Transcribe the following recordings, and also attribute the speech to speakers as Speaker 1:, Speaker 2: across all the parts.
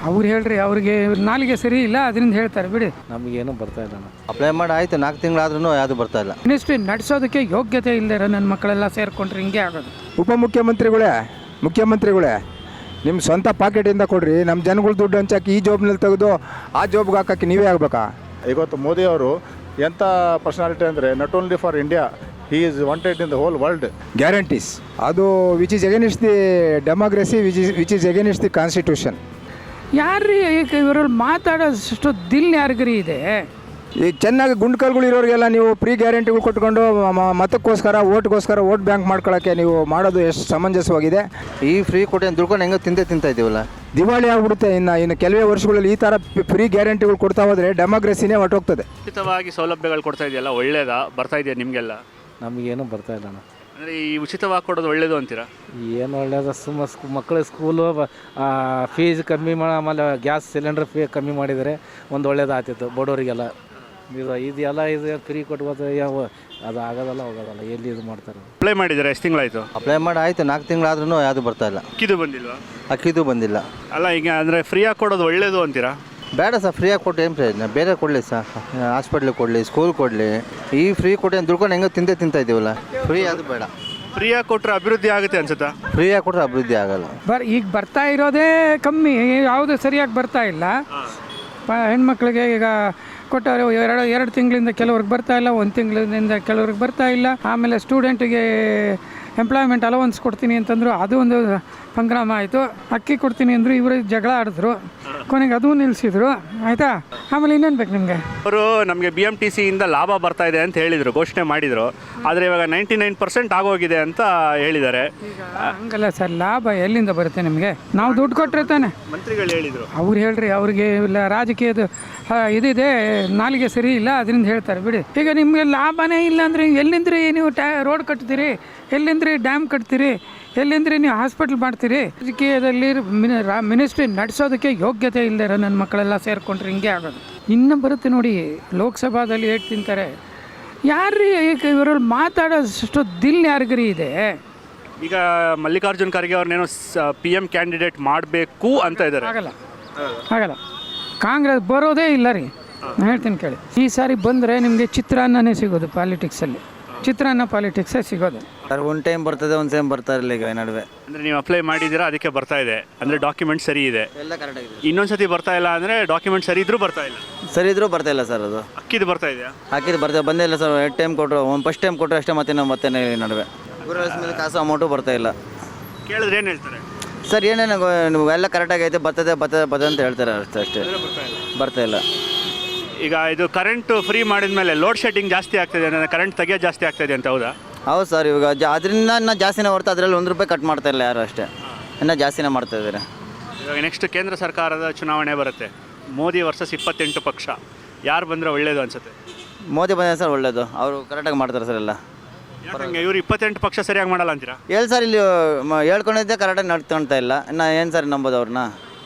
Speaker 1: ಅವ್ರು ಹೇಳ್ರಿ, ಅವ್ರಿಗೆ ನಾಲಿಗೆ ಸರಿ ಇಲ್ಲ, ಅದರಿಂದ ಹೇಳ್ತಾರೆ ಬಿಡಿ.
Speaker 2: ನಮಗೇನು ಬರ್ತಾ ಇಲ್ಲ.
Speaker 3: ಅಪ್ಲೈ ಮಾಡಿ ಆಯಿತು 4 ತಿಂಗಳಾದ್ರೂ ಯಾವುದು ಬರ್ತಾ ಇಲ್ಲ.
Speaker 1: ಮಿನಿಸ್ಟ್ರಿ ನಡೆಸೋದಕ್ಕೆ ಯೋಗ್ಯತೆ ಇಲ್ಲದೆ ನನ್ನ ಮಕ್ಕಳೆಲ್ಲ ಸೇರಿಕೊಂಡ್ರೆ ಹಿಂಗೆ ಆಗೋದು.
Speaker 4: ಮುಖ್ಯಮಂತ್ರಿಗಳೇ ನಿಮ್ಮ ಸ್ವಂತ ಪಾಕೆಟಿಂದ ಕೊಡ್ರಿ, ನಮ್ಮ ಜನಗಳ ದುಡ್ಡು ಹಂಚಾಕಿ ಈ ಜಾಬ್ನಲ್ಲಿ ತೆಗೆದು ಆ ಜಾಬ್ಗೆ ಹಾಕಕ್ಕೆ ನೀವೇ ಆಗಬೇಕಾ?
Speaker 5: ಇವತ್ತು ಮೋದಿ ಅವರು ಎಂಥ ಪರ್ಸನಾಲಿಟಿ ಅಂದರೆ not only for India, he is wanted in the whole world.
Speaker 4: Guarantees ಅದು which is against the democracy, which is against the constitution.
Speaker 1: ಯಾರ್ರೀ ಇವರಲ್ಲಿ ಮಾತಾಡೋಷ್ಟು ದಿಲ್ ಯಾರಿಗರಿ ಇದೆ?
Speaker 4: ಈ ಚೆನ್ನಾಗಿ ಗುಂಡ್ಕಲ್ಗಳು ಇರೋರಿಗೆಲ್ಲ ನೀವು ಫ್ರೀ ಗ್ಯಾರಂಟಿಗಳು ಕೊಟ್ಕೊಂಡು ಮತಕ್ಕೋಸ್ಕರ ವೋಟ್ ಬ್ಯಾಂಕ್ ಮಾಡ್ಕೊಳ್ಳೋಕ್ಕೆ ನೀವು ಮಾಡೋದು ಎಷ್ಟು ಸಮಂಜಸವಾಗಿದೆ?
Speaker 3: ಈ ಫ್ರೀ ಕೊಟ್ಟು ದುಡ್ಕೊಂಡು ಹೆಂಗೋ ತಿಂತಾ ಇದ್ದೀವಲ್ಲ,
Speaker 4: ದಿವಾಳಿ ಆಗ್ಬಿಡುತ್ತೆ. ಇನ್ನು ಕೆಲವೇ ವರ್ಷಗಳಲ್ಲಿ ಈ ಥರ ಫ್ರೀ ಗ್ಯಾರಂಟಿಗಳು ಕೊಡ್ತಾ ಹೋದರೆ ಡೆಮೋಕ್ರಸಿನೇ ಹೊರಟೋಗ್ತದೆ.
Speaker 6: ಉಚಿತವಾಗಿ ಸೌಲಭ್ಯಗಳು ಕೊಡ್ತಾ ಇದೆಯಲ್ಲ, ಒಳ್ಳೇದಾ? ಬರ್ತಾ ಇದೆಯಾ ನಿಮಗೆಲ್ಲ?
Speaker 2: ನಮಗೇನು ಬರ್ತಾ ಇಲ್ಲ.
Speaker 6: ಅಂದರೆ ಈ ಉಚಿತವಾಗಿ ಕೊಡೋದು ಒಳ್ಳೇದು ಅಂತೀರಾ?
Speaker 2: ಏನು ಒಳ್ಳೇದು, ಮಕ್ಕಳ ಸ್ಕೂಲು ಫೀಸ್ ಕಮ್ಮಿ ಆಮೇಲೆ ಗ್ಯಾಸ್ ಸಿಲಿಂಡರ್ ಫೀ ಕಮ್ಮಿ ಮಾಡಿದರೆ ಒಂದು ಒಳ್ಳೇದಾಗ್ತಿತ್ತು ಬಡವರಿಗೆಲ್ಲ. ಇದೆಲ್ಲ ಫ್ರೀ ಕೊಟ್ಬೋದು, ಯಾವ ಅದು ಆಗೋದಲ್ಲ ಹೋಗೋದಲ್ಲ, ಎಲ್ಲಿ ಇದು ಮಾಡ್ತಾರೆ.
Speaker 6: ಅಪ್ಲೈ ಮಾಡಿದ್ದಾರೆ, ಎಷ್ಟು ತಿಂಗಳಾಯಿತು?
Speaker 3: ಅಪ್ಲೈ ಮಾಡಿ ಆಯಿತು 4 ತಿಂಗಳಾದ್ರೂ ಯಾವುದು ಬರ್ತಾ ಇಲ್ಲ.
Speaker 6: ಅಕ್ಕಿದು ಬಂದಿಲ್ವಾ?
Speaker 3: ಅಕ್ಕಿದು ಬಂದಿಲ್ಲ.
Speaker 6: ಅಲ್ಲ, ಈಗ ಅಂದರೆ ಫ್ರೀಯಾಗಿ ಕೊಡೋದು ಒಳ್ಳೇದು ಅಂತೀರಾ?
Speaker 3: ಬೇಡ ಸರ್, ಫ್ರೀಯಾಗಿ ಕೊಟ್ಟು ಏನು ಪ್ರಯೋಜನ? ಬೇರೆ ಕೊಡಲಿ ಸರ್, ಹಾಸ್ಪಿಟ್ಲಿಗೆ ಕೊಡಲಿ, ಸ್ಕೂಲ್ ಕೊಡಲಿ. ಈ ಫ್ರೀ ಕೊಟ್ಟು ದುಡ್ಕೊಂಡು ಹೆಂಗೋ ತಿಂತಾ ಇದ್ದೀವಲ್ಲ, ಫ್ರೀ ಅದು ಬೇಡ.
Speaker 6: ಫ್ರೀಯಾಗಿ ಕೊಟ್ಟರೆ ಅಭಿವೃದ್ಧಿ ಆಗುತ್ತೆ ಅನ್ಸುತ್ತಾ?
Speaker 3: ಫ್ರೀಯಾಗಿ ಕೊಟ್ಟರೆ ಅಭಿವೃದ್ಧಿ ಆಗಲ್ಲ.
Speaker 1: ಈಗ ಬರ್ತಾ ಇರೋದೇ ಕಮ್ಮಿ, ಯಾವುದು ಸರಿಯಾಗಿ ಬರ್ತಾ ಇಲ್ಲ. ಹೆಣ್ಮಕ್ಳಿಗೆ ಈಗ ಕೊಟ್ಟವರು ಎರಡು ತಿಂಗಳಿಂದ ಕೆಲವ್ರಿಗೆ ಬರ್ತಾ ಇಲ್ಲ, 1 ತಿಂಗಳಿಂದ ಕೆಲವ್ರಿಗೆ ಬರ್ತಾ ಇಲ್ಲ. ಆಮೇಲೆ ಸ್ಟೂಡೆಂಟಿಗೆ ಎಂಪ್ಲಾಯ್ಮೆಂಟ್ ಅಲವನ್ಸ್ ಕೊಡ್ತೀನಿ ಅಂತಂದರು, ಅದು ಒಂದು ಸಂಗ್ರಾಮ ಆಯಿತು. ಅಕ್ಕಿ ಕೊಡ್ತೀನಿ ಅಂದರು, ಇವರು ಜಗಳ ಆಡಿದ್ರು, ಕೊನೆಗೆ ಅದೂ ನಿಲ್ಲಿಸಿದ್ರು. ಆಯಿತಾ? ಆಮೇಲೆ ಇನ್ನೇನು ಬೇಕು ನಿಮಗೆ?
Speaker 6: ಅವರು ನಮಗೆ BMTC ಇಂದ ಲಾಭ ಬರ್ತಾ ಇದೆ ಅಂತ ಹೇಳಿದರು, ಘೋಷಣೆ ಮಾಡಿದರು. ಆದರೆ ಇವಾಗ 99% ಆಗೋಗಿದೆ ಅಂತ ಹೇಳಿದ್ದಾರೆ.
Speaker 1: ಹಂಗಲ್ಲ ಸರ್, ಲಾಭ ಎಲ್ಲಿಂದ ಬರುತ್ತೆ ನಿಮಗೆ? ನಾವು ದುಡ್ಡು ಕೊಟ್ಟರೆ ತಾನೆ.
Speaker 6: ಮಂತ್ರಿಗಳು ಹೇಳಿದರು.
Speaker 1: ಅವ್ರು ಹೇಳ್ರಿ, ಅವ್ರಿಗೆ ಇಲ್ಲ ರಾಜಕೀಯದ ಇದಿದೆ, ನಾಲಿಗೆ ಸರಿ ಇಲ್ಲ, ಅದರಿಂದ ಹೇಳ್ತಾರೆ ಬಿಡಿ. ಈಗ ನಿಮಗೆ ಲಾಭನೇ ಇಲ್ಲ ಅಂದರೆ ಎಲ್ಲಿಂದ್ರಿ ನೀವು ರೋಡ್ ಕಟ್ತೀರಿ? ಎಲ್ಲಿಂದ್ರಿ ಡ್ಯಾಮ್ ಕಟ್ತೀರಿ? ಎಲ್ಲಿಂದ್ರಿ ನೀವು ಹಾಸ್ಪಿಟ್ಲ್ ಮಾಡ್ತೀರಿ? ರಾಜಕೀಯದಲ್ಲಿ ಮಿನಿಸ್ಟ್ರಿ ನಡೆಸೋದಕ್ಕೆ ಯೋಗ್ಯತೆ ಇಲ್ಲದೆ ನನ್ನ ಮಕ್ಕಳೆಲ್ಲ ಸೇರಿಕೊಂಡ್ರೆ ಹಿಂಗೆ ಆಗೋದು. ಇನ್ನು ಬರುತ್ತೆ ನೋಡಿ, ಲೋಕಸಭಾದಲ್ಲಿ ಏಟ್ ತಿಂತಾರೆ. ಯಾರ್ರೀ ಇವರಲ್ಲಿ ಮಾತಾಡೋಷ್ಟು ದಿಲ್ ಯಾರಿಗರಿ ಇದೆ?
Speaker 6: ಈಗ ಮಲ್ಲಿಕಾರ್ಜುನ್ ಖರ್ಗೆ ಅವ್ರನ್ನೇನೋ PM ಕ್ಯಾಂಡಿಡೇಟ್ ಮಾಡಬೇಕು ಅಂತ ಇದ್ದಾರೆ.
Speaker 1: ಆಗಲ್ಲ. ಕಾಂಗ್ರೆಸ್ ಬರೋದೇ ಇಲ್ಲ ರೀ, ನಾನು ಹೇಳ್ತೀನಿ ಕೇಳಿ. ಈ ಸಾರಿ ಬಂದರೆ ನಿಮಗೆ ಚಿತ್ರಾನ್ನನೇ ಸಿಗೋದು ಪಾಲಿಟಿಕ್ಸಲ್ಲಿ. ಚಿತ್ರಾನ್ನ ಪಾಲಿಟಿಕ್ಸೇ ಸಿಗೋದು
Speaker 3: ಸರ್. ಒಂದು ಟೈಮ್ ಬರ್ತದೆ, ಒಂದು ಟೈಮ್ ಬರ್ತಾ ಇರಲಿಲ್ಲ. ಈಗ ನಡುವೆ
Speaker 6: ಅಂದರೆ ನೀವು ಅಪ್ಲೈ ಮಾಡಿದ್ದೀರಾ, ಅದಕ್ಕೆ ಬರ್ತಾ ಇದೆ. ಅಂದರೆ ಡಾಕ್ಯುಮೆಂಟ್ ಸರಿ ಇದೆ,
Speaker 3: ಎಲ್ಲ ಕರೆಕ್ಟ್ ಆಗಿದೆ.
Speaker 6: ಇನ್ನೊಂದು ಸತಿ ಬರ್ತಾ ಇಲ್ಲ ಅಂದರೆ ಡಾಕ್ಯುಮೆಂಟ್ ಸರಿ ಇದ್ರೂ ಬರ್ತಾ ಇಲ್ಲ.
Speaker 3: ಸರಿ ಇದ್ರೂ ಬರ್ತಾ ಇಲ್ಲ ಸರ್. ಅದು
Speaker 6: ಅಕ್ಕಿದು ಬರ್ತಾ ಇದೆಯಾ?
Speaker 3: ಹಾಕಿದ್ದು ಬಂದೇ ಇಲ್ಲ ಸರ್. 2 ಟೈಮ್ ಕೊಟ್ಟರು, ಫಸ್ಟ್ ಟೈಮ್ ಕೊಟ್ಟರು ಅಷ್ಟೇ, ಮತ್ತೆ ನಡುವೆ ಮೇಲೆ ಕಾಸು ಅಮೌಂಟು ಬರ್ತಾ ಇಲ್ಲ.
Speaker 6: ಕೇಳಿದ್ರೆ ಏನು ಹೇಳ್ತಾರೆ?
Speaker 3: ಸರ್ ಏನೇನು ನೀವು ಎಲ್ಲ ಕರೆಕ್ಟಾಗೈತೆ, ಬರ್ತದೆ ಅಂತ ಹೇಳ್ತಾರೆ ಅಷ್ಟೇ. ಬರ್ತಾ ಇಲ್ಲ.
Speaker 6: ಈಗ ಇದು ಕರೆಂಟ್ ಫ್ರೀ ಮಾಡಿದ ಮೇಲೆ ಲೋಡ್ ಶೆಡ್ಡಿಂಗ್ ಜಾಸ್ತಿ ಆಗ್ತದೆ, ಅಂದರೆ ಕರೆಂಟ್ ತೆಗಿಯೋದು ಜಾಸ್ತಿ ಆಗ್ತಾಯಿದೆ ಅಂತ. ಹೌದಾ?
Speaker 3: ಹೌದು ಸರ್. ಇವಾಗ ಅದರಿಂದ ಇನ್ನೂ ಜಾಸ್ತಿನೇ ಹೊರ್ತು ಅದರಲ್ಲಿ 1 ರೂಪಾಯಿ ಕಟ್ ಮಾಡ್ತಾ ಇಲ್ಲ ಯಾರು, ಅಷ್ಟೇ. ಇನ್ನೂ ಜಾಸ್ತಿನೇ ಮಾಡ್ತಾ ಇದ್ದಾರೆ.
Speaker 6: ಇವಾಗ ನೆಕ್ಸ್ಟ್ ಕೇಂದ್ರ ಸರ್ಕಾರದ ಚುನಾವಣೆ ಬರುತ್ತೆ, ಮೋದಿ ವರ್ಸಸ್ 28 ಪಕ್ಷ. ಯಾರು ಬಂದರೆ ಒಳ್ಳೇದು ಅನ್ಸುತ್ತೆ?
Speaker 3: ಮೋದಿ ಬಂದ ಸರ್ ಒಳ್ಳೇದು, ಅವರು ಕರೆಕ್ಟಾಗಿ ಮಾಡ್ತಾರೆ ಸರ್ ಎಲ್ಲ.
Speaker 6: ಯಾಕಂಗೆ ಇವರು 28 ಪಕ್ಷ ಸರಿಯಾಗಿ ಮಾಡಲ್ಲ ಅಂತೀರಾ?
Speaker 3: ಹೇಳಿ ಸರ್, ಇಲ್ಲಿ ಹೇಳ್ಕೊಂಡಿದ್ದೆ ಕರೆಕ್ಟಾಗಿ ನಡ್ಕೊಳ್ತಾ ಇಲ್ಲ. ಇನ್ನು ಏನು ಸರ್ ನಂಬೋದು ಅವ್ರನ್ನ?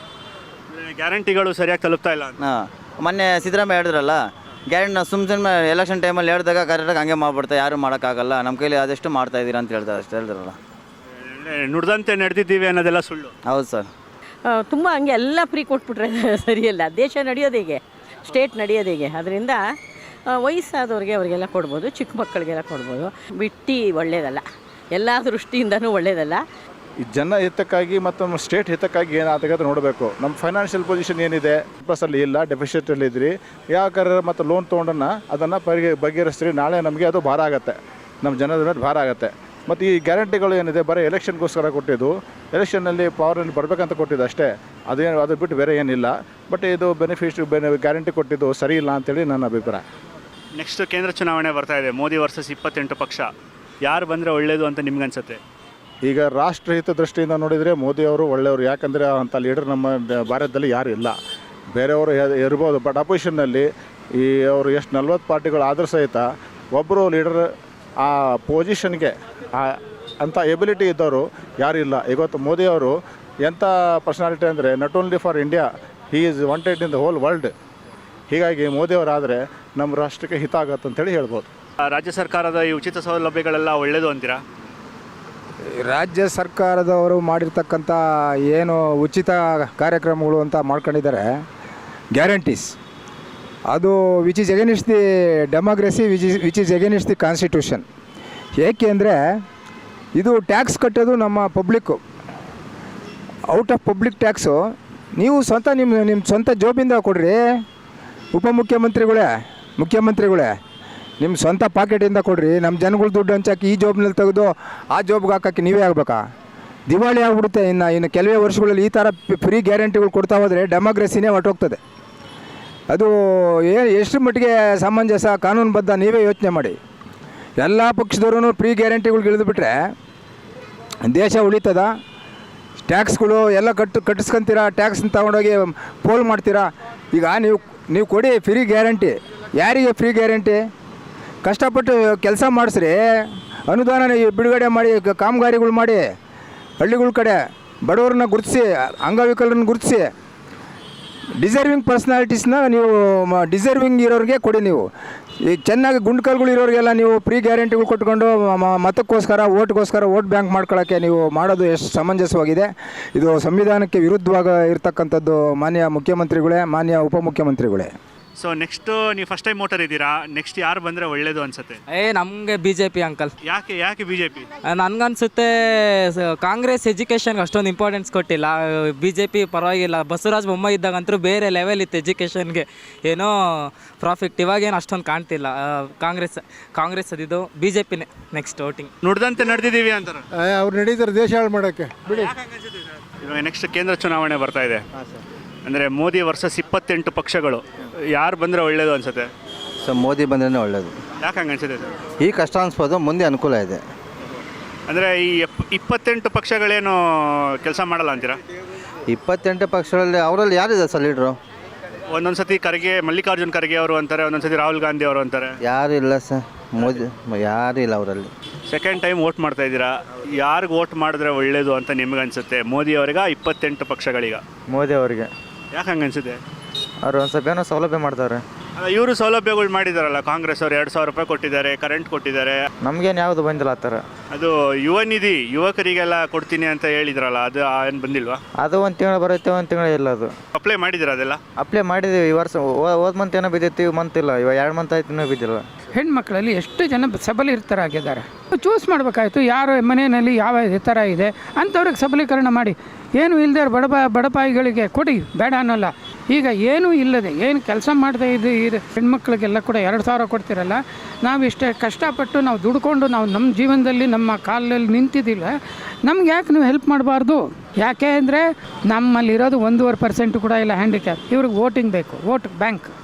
Speaker 6: ಗ್ಯಾರಂಟಿಗಳು ಸರಿಯಾಗಿ ತಲುಪ್ತಾ ಇಲ್ಲ.
Speaker 3: ಹಾಂ, ಮೊನ್ನೆ ಸಿದ್ದರಾಮಯ್ಯ ಹೇಳಿದ್ರಲ್ಲ ಗ್ಯಾರಂಟಿ, ನಾವು ಸುಮ್ಮನೆ ಎಲೆಕ್ಷನ್ ಟೈಮಲ್ಲಿ ಹೇಳಿದಾಗ ಕರೆಕ್ಟಾಗಿ ಹಂಗೆ ಮಾಡ್ಬಿಡ್ತಾರೆ, ಯಾರು ಮಾಡೋಕ್ಕಾಗಲ್ಲ, ನಮ್ಮ ಕೈಲಿ ಆದಷ್ಟು ಮಾಡ್ತಾ ಇದ್ದೀರಾ ಅಂತ ಹೇಳ್ತಾರೆ, ಅಷ್ಟು ಹೇಳಿದ್ರಲ್ಲ.
Speaker 6: ನುಡ್ದಂತೆ ನಡೆದಿದ್ದೀವಿ ಅನ್ನೋದೆಲ್ಲ ಸುಳ್ಳು.
Speaker 3: ಹೌದು ಸರ್.
Speaker 7: ತುಂಬ ಹಂಗೆ ಎಲ್ಲ ಫ್ರೀ ಕೊಟ್ಬಿಟ್ರೆ ಸರಿಯಲ್ಲ. ದೇಶ ನಡೆಯೋದು ಹೇಗೆ, ಸ್ಟೇಟ್ ನಡೆಯೋದು ಹೇಗೆ? ಅದರಿಂದ ವಯಸ್ಸಾದವ್ರಿಗೆ ಅವರಿಗೆಲ್ಲ ಕೊಡ್ಬೋದು, ಚಿಕ್ಕ ಮಕ್ಕಳಿಗೆಲ್ಲ ಕೊಡ್ಬೋದು. ಬಿಟ್ಟು ಒಳ್ಳೆಯದಲ್ಲ, ಎಲ್ಲ ದೃಷ್ಟಿಯಿಂದನೂ ಒಳ್ಳೆಯದಲ್ಲ.
Speaker 5: ಈ ಜನ ಹಿತಕ್ಕಾಗಿ ಮತ್ತು ನಮ್ಮ ಸ್ಟೇಟ್ ಹಿತಕ್ಕಾಗಿ ಏನಾಗುತ್ತೆ ನೋಡಬೇಕು. ನಮ್ಮ ಫೈನಾನ್ಷಿಯಲ್ ಪೊಸಿಷನ್ ಏನಿದೆ, ಪ್ಲಸ್ಸಲ್ಲಿ ಇಲ್ಲ, ಡೆಫಿಷಿಟಲ್ಲಿ ಇದ್ರಿ, ಯಾಕಾರ ಮತ್ತು ಲೋನ್ ತೊಗೊಂಡನ್ನು ಅದನ್ನು ಬಗೆಹರಿಸ್ತೀರಿ. ನಾಳೆ ನಮಗೆ ಅದು ಭಾರ ಆಗುತ್ತೆ, ನಮ್ಮ ಜನದ ಮೇಲೆ ಭಾರ ಆಗುತ್ತೆ. ಮತ್ತು ಈ ಗ್ಯಾರಂಟಿಗಳು ಏನಿದೆ ಬರೀ ಎಲೆಕ್ಷನ್ಗೋಸ್ಕರ ಕೊಟ್ಟಿದ್ದು, ಎಲೆಕ್ಷನ್ನಲ್ಲಿ ಪವರಲ್ಲಿ ಬರಬೇಕಂತ ಕೊಟ್ಟಿದ್ದು ಅಷ್ಟೇ. ಅದು ಬಿಟ್ಟು ಬೇರೆ ಏನಿಲ್ಲ. ಬಟ್ ಇದು ಗ್ಯಾರಂಟಿ ಕೊಟ್ಟಿದ್ದು ಸರಿ ಇಲ್ಲ ಅಂತೇಳಿ ನನ್ನ ಅಭಿಪ್ರಾಯ.
Speaker 6: ನೆಕ್ಸ್ಟ್ ಕೇಂದ್ರ ಚುನಾವಣೆ ಬರ್ತಾ ಇದೆ, ಮೋದಿ ವರ್ಸಸ್ 28 ಪಕ್ಷ. ಯಾರು ಬಂದರೆ ಒಳ್ಳೆಯದು ಅಂತ ನಿಮ್ಗನ್ಸುತ್ತೆ?
Speaker 5: ಈಗ ರಾಷ್ಟ್ರಹಿತ ದೃಷ್ಟಿಯಿಂದ ನೋಡಿದರೆ ಮೋದಿಯವರು ಒಳ್ಳೆಯವರು. ಯಾಕಂದರೆ ಅಂಥ ಲೀಡರ್ ನಮ್ಮ ಭಾರತದಲ್ಲಿ ಯಾರು ಇಲ್ಲ. ಬೇರೆಯವರು ಇರ್ಬೋದು, ಬಟ್ ಅಪೋಸಿಷನ್ನಲ್ಲಿ ಈ ಅವರು ಎಷ್ಟು 40 ಪಾರ್ಟಿಗಳು ಆದರೂ ಸಹಿತ ಒಬ್ಬರು ಲೀಡರ್ ಆ ಪೊಸಿಷನ್ಗೆ ಅಂಥ ಎಬಿಲಿಟಿ ಇದ್ದವರು ಯಾರೂ ಇಲ್ಲ. ಇವತ್ತು ಮೋದಿಯವರು ಎಂಥ ಪರ್ಸನಾಲಿಟಿ ಅಂದರೆ not only for India, he is wanted in the whole world. ಹೀಗಾಗಿ ಮೋದಿಯವರಾದರೆ ನಮ್ಮ ರಾಷ್ಟ್ರಕ್ಕೆ ಹಿತ ಆಗತ್ತೆ ಅಂತೇಳಿ ಹೇಳ್ಬೋದು.
Speaker 6: ರಾಜ್ಯ ಸರ್ಕಾರದ ಈ ಉಚಿತ ಸೌಲಭ್ಯಗಳೆಲ್ಲ ಒಳ್ಳೆಯದು ಅಂತೀರಾ?
Speaker 4: ರಾಜ್ಯ ಸರ್ಕಾರದವರು ಮಾಡಿರ್ತಕ್ಕಂಥ ಏನು ಉಚಿತ ಕಾರ್ಯಕ್ರಮಗಳು ಅಂತ ಮಾಡ್ಕೊಂಡಿದ್ದಾರೆ ಗ್ಯಾರಂಟೀಸ್, ಅದು which is against the democracy, which is against the constitution. ಏಕೆ ಅಂದರೆ ಇದು ಟ್ಯಾಕ್ಸ್ ಕಟ್ಟೋದು ನಮ್ಮ public, out of public tax ನೀವು ಸ್ವಂತ ನಿಮ್ಮ ಸ್ವಂತ ಜೋಬಿಂದ ಕೊಡ್ರಿ. ಮುಖ್ಯಮಂತ್ರಿಗಳೇ ನಿಮ್ಮ ಸ್ವಂತ ಪಾಕೆಟಿಂದ ಕೊಡ್ರಿ. ನಮ್ಮ ಜನಗಳು ದುಡ್ಡು ಹಂಚಾಕಿ ಈ ಜಾಬ್ನಲ್ಲಿ ತೆಗೆದು ಆ ಜಾಬ್ಗೆ ಹಾಕೋಕ್ಕೆ ನೀವೇ ಆಗಬೇಕಾ? ದಿವಾಳಿ ಆಗಿಬಿಡುತ್ತೆ. ಇನ್ನು ಕೆಲವೇ ವರ್ಷಗಳಲ್ಲಿ ಈ ಥರ ಫ್ರೀ ಗ್ಯಾರಂಟಿಗಳು ಕೊಡ್ತಾ ಹೋದರೆ ಡೆಮೋಕ್ರಸಿನೇ ಹೊರಟೋಗ್ತದೆ. ಅದು ಎಷ್ಟು ಮಟ್ಟಿಗೆ ಸಮಂಜಸ, ಕಾನೂನುಬದ್ಧ, ನೀವೇ ಯೋಚನೆ ಮಾಡಿ. ಎಲ್ಲ ಪಕ್ಷದವ್ರೂ ಫ್ರೀ ಗ್ಯಾರಂಟಿಗಳು ಇಳಿದುಬಿಟ್ರೆ ದೇಶ ಉಳಿತದ? ಟ್ಯಾಕ್ಸ್ಗಳು ಎಲ್ಲ ಕಟ್ಟಿಸ್ಕೊಂತೀರಾ, ಟ್ಯಾಕ್ಸ್ನ ತಗೊಂಡೋಗಿ ಪೋಲ್ ಮಾಡ್ತೀರಾ. ಈಗ ನೀವು ಕೊಡಿ ಫ್ರೀ ಗ್ಯಾರಂಟಿ. ಯಾರಿಗೆ ಫ್ರೀ ಗ್ಯಾರಂಟಿ? ಕಷ್ಟಪಟ್ಟು ಕೆಲಸ ಮಾಡಿಸ್ರಿ, ಅನುದಾನ ಬಿಡುಗಡೆ ಮಾಡಿ, ಕಾಮಗಾರಿಗಳು ಮಾಡಿ, ಹಳ್ಳಿಗಳ ಕಡೆ ಬಡವ್ರನ್ನ ಗುರುತಿಸಿ, ಅಂಗವಿಕಲರನ್ನ ಗುರುತಿಸಿ, ಡಿಸರ್ವಿಂಗ್ ಪರ್ಸ್ನಾಲಿಟೀಸ್ನ ನೀವು ಡಿಸರ್ವಿಂಗ್ ಇರೋರಿಗೆ ಕೊಡಿ. ನೀವು ಈ ಚೆನ್ನಾಗಿ ಗುಂಡ್ಕಲ್ಗಳು ಇರೋರಿಗೆಲ್ಲ ನೀವು ಫ್ರೀ ಗ್ಯಾರಂಟಿಗಳು ಕೊಟ್ಕೊಂಡು ಮತಕ್ಕೋಸ್ಕರ ವೋಟ್ ಬ್ಯಾಂಕ್ ಮಾಡ್ಕೊಳ್ಳೋಕ್ಕೆ ನೀವು ಮಾಡೋದು ಎಷ್ಟು ಸಮಂಜಸವಾಗಿದೆ? ಇದು ಸಂವಿಧಾನಕ್ಕೆ ವಿರುದ್ಧವಾಗಿ ಇರ್ತಕ್ಕಂಥದ್ದು. ಮಾನ್ಯ ಮುಖ್ಯಮಂತ್ರಿಗಳೇ, ಮಾನ್ಯ ಉಪಮುಖ್ಯಮಂತ್ರಿಗಳೇ.
Speaker 6: ಸೊ ನೆಕ್ಸ್ಟು ನೀವು ಫಸ್ಟ್ ಟೈಮ್ ವೋಟರ್ ಇದ್ದೀರಾ, ನೆಕ್ಸ್ಟ್ ಯಾರು ಬಂದರೆ ಒಳ್ಳೇದು ಅನ್ಸುತ್ತೆ?
Speaker 8: ನಮಗೆ BJP ಅಂಕಲ್.
Speaker 6: ಯಾಕೆ BJP?
Speaker 8: ನನಗನ್ಸುತ್ತೆ ಕಾಂಗ್ರೆಸ್ ಎಜುಕೇಷನ್ಗೆ ಅಷ್ಟೊಂದು ಇಂಪಾರ್ಟೆನ್ಸ್ ಕೊಟ್ಟಿಲ್ಲ. BJP ಪರವಾಗಿಲ್ಲ. ಬಸವರಾಜ ಬೊಮ್ಮಾಯಿ ಇದ್ದಾಗಂತೂ ಬೇರೆ ಲೆವೆಲ್ ಇತ್ತು ಎಜುಕೇಷನ್ಗೆ, ಏನೋ ಪ್ರಾಫಿಟ್. ಇವಾಗೇನು ಅಷ್ಟೊಂದು ಕಾಣ್ತಿಲ್ಲ. ಕಾಂಗ್ರೆಸ್ ಅದಿದ್ದು BJPನೇ ನೆಕ್ಸ್ಟ್ ವೋಟಿಂಗ್.
Speaker 6: ನುಡ್ದಂತೆ ನಡೆದಿದ್ದೀವಿ ಅಂತಾರೆ
Speaker 9: ಅವ್ರು ನಡೀತಾರೆ ದೇಶ ಹಾಳು ಮಾಡೋಕ್ಕೆ. ಬಿಡಿ.
Speaker 6: ಇವಾಗ ನೆಕ್ಸ್ಟ್ ಕೇಂದ್ರ ಚುನಾವಣೆ ಬರ್ತಾ ಇದೆ. ಅಂದರೆ ಮೋದಿ ವರ್ಸಸ್ 28 ಪಕ್ಷಗಳು, ಯಾರು ಬಂದರೆ ಒಳ್ಳೇದು ಅನ್ಸುತ್ತೆ?
Speaker 3: ಸೊ ಮೋದಿ ಬಂದ್ರೇ ಒಳ್ಳೆಯದು.
Speaker 6: ಯಾಕೆ ಹಂಗೆ ಅನ್ಸುತ್ತೆ ಸರ್?
Speaker 3: ಈ ಕಷ್ಟ ಅನಿಸ್ಬೋದು, ಮುಂದೆ ಅನುಕೂಲ ಇದೆ.
Speaker 6: ಅಂದರೆ ಈ 28 ಪಕ್ಷಗಳೇನು ಕೆಲಸ ಮಾಡಲ್ಲ ಅಂತೀರಾ?
Speaker 3: 28 ಪಕ್ಷಗಳಲ್ಲಿ ಅವರಲ್ಲಿ ಯಾರಿದೆ ಸರ್ ಲೀಡ್ರು?
Speaker 6: ಒಂದೊಂದು ಸತಿ ಮಲ್ಲಿಕಾರ್ಜುನ್ ಖರ್ಗೆ ಅವರು ಅಂತಾರೆ, ಒಂದೊಂದು ಸತಿ ರಾಹುಲ್ ಗಾಂಧಿ ಅವರು ಅಂತಾರೆ.
Speaker 3: ಯಾರು ಇಲ್ಲ ಸರ್, ಮೋದಿ ಯಾರು ಇಲ್ಲ ಅವರಲ್ಲಿ.
Speaker 6: ಸೆಕೆಂಡ್ ಟೈಮ್ ವೋಟ್ ಮಾಡ್ತಾ ಇದ್ದೀರಾ, ಯಾರಿಗೆ ವೋಟ್ ಮಾಡಿದ್ರೆ ಒಳ್ಳೇದು ಅಂತ ನಿಮ್ಗೆ ಅನ್ಸುತ್ತೆ? ಮೋದಿ ಅವರಿಗೆ 28 ಪಕ್ಷಗಳಿಗ?
Speaker 3: ಮೋದಿ ಅವರಿಗೆ.
Speaker 6: ಯಾಕೆ ಹಂಗೆ ಅನ್ಸುತ್ತೆ?
Speaker 3: ಅವ್ರು ಒಂದು ಸ್ವಲ್ಪ ಏನೋ ಸೌಲಭ್ಯ ಮಾಡ್ತಾರೆ.
Speaker 6: ಇವರು ಸೌಲಭ್ಯಗಳು ಮಾಡಿದಾರಲ್ಲ, ಕಾಂಗ್ರೆಸ್ ಅವರು 2,000 ರೂಪಾಯಿ ಕೊಟ್ಟಿದ್ದಾರೆ, ಕರೆಂಟ್ ಕೊಟ್ಟಿದ್ದಾರೆ.
Speaker 3: ನಮಗೇನು ಯಾವುದು ಬಂದಿಲ್ಲ ಆ ಥರ.
Speaker 6: ಅದು ಯುವ ನಿಧಿ ಯುವಕರಿಗೆಲ್ಲ ಕೊಡ್ತೀನಿ ಅಂತ ಹೇಳಿದ್ರಲ್ಲ, ಅದು ಏನು ಬಂದಿಲ್ವಾ?
Speaker 3: ಅದು ಒಂದು ತಿಂಗಳು ಬರುತ್ತೆ, ಒಂದು ತಿಂಗಳು ಇಲ್ಲ. ಅದು
Speaker 6: ಅಪ್ಲೈ ಮಾಡಿದ್ದೀರಾ? ಅದೆಲ್ಲ
Speaker 3: ಅಪ್ಲೈ ಮಾಡಿದ್ದೀವಿ. ಈ ವರ್ಷ ಹೋದ ಮಂತ್ ಏನೋ ಬಿದ್ದಿತ್ತು, ಈ ಮಂತ್ ಇಲ್ಲ. ಇವಾಗ 2 ಮಂತ್ ಆಯ್ತು ಇನ್ನೂ ಬಿದ್ದಿಲ್ಲ.
Speaker 1: ಹೆಣ್ಮಕ್ಳಲ್ಲಿ ಎಷ್ಟು ಜನ ಸಬಲೀಕೃತರಾಗಿದ್ದಾರೆ. ಚೂಸ್ ಮಾಡಬೇಕಾಯ್ತು, ಯಾರು ಮನೆಯಲ್ಲಿ ಯಾವ ಥರ ಇದೆ ಅಂಥವ್ರಿಗೆ ಸಬಲೀಕರಣ ಮಾಡಿ. ಏನು ಇಲ್ಲದೆ ಬಡಪಾಯಿಗಳಿಗೆ ಕೊಡಿ, ಬೇಡ ಅನ್ನೋಲ್ಲ. ಈಗ ಏನೂ ಇಲ್ಲದೆ ಏನು ಕೆಲಸ ಮಾಡದೆ ಇದು ಹೆಣ್ಮಕ್ಳಿಗೆಲ್ಲ ಕೂಡ 2,000 ಕೊಡ್ತಿರಲ್ಲ. ನಾವು ಇಷ್ಟೇ ಕಷ್ಟಪಟ್ಟು ನಾವು ದುಡ್ಕೊಂಡು ನಾವು ನಮ್ಮ ಜೀವನದಲ್ಲಿ ನಮ್ಮ ಕಾಲಲ್ಲಿ ನಿಂತಿದ್ದಿಲ್ಲ, ನಮ್ಗೆ ಯಾಕೆ ನೀವು ಹೆಲ್ಪ್ ಮಾಡಬಾರ್ದು? ಯಾಕೆ ಅಂದರೆ ನಮ್ಮಲ್ಲಿರೋದು 1.5% ಕೂಡ ಇಲ್ಲ ಹ್ಯಾಂಡಿಕ್ಯಾಪ್. ಇವ್ರಿಗೆ ವೋಟಿಂಗ್ ಬೇಕು, ವೋಟ್ ಬ್ಯಾಂಕ್.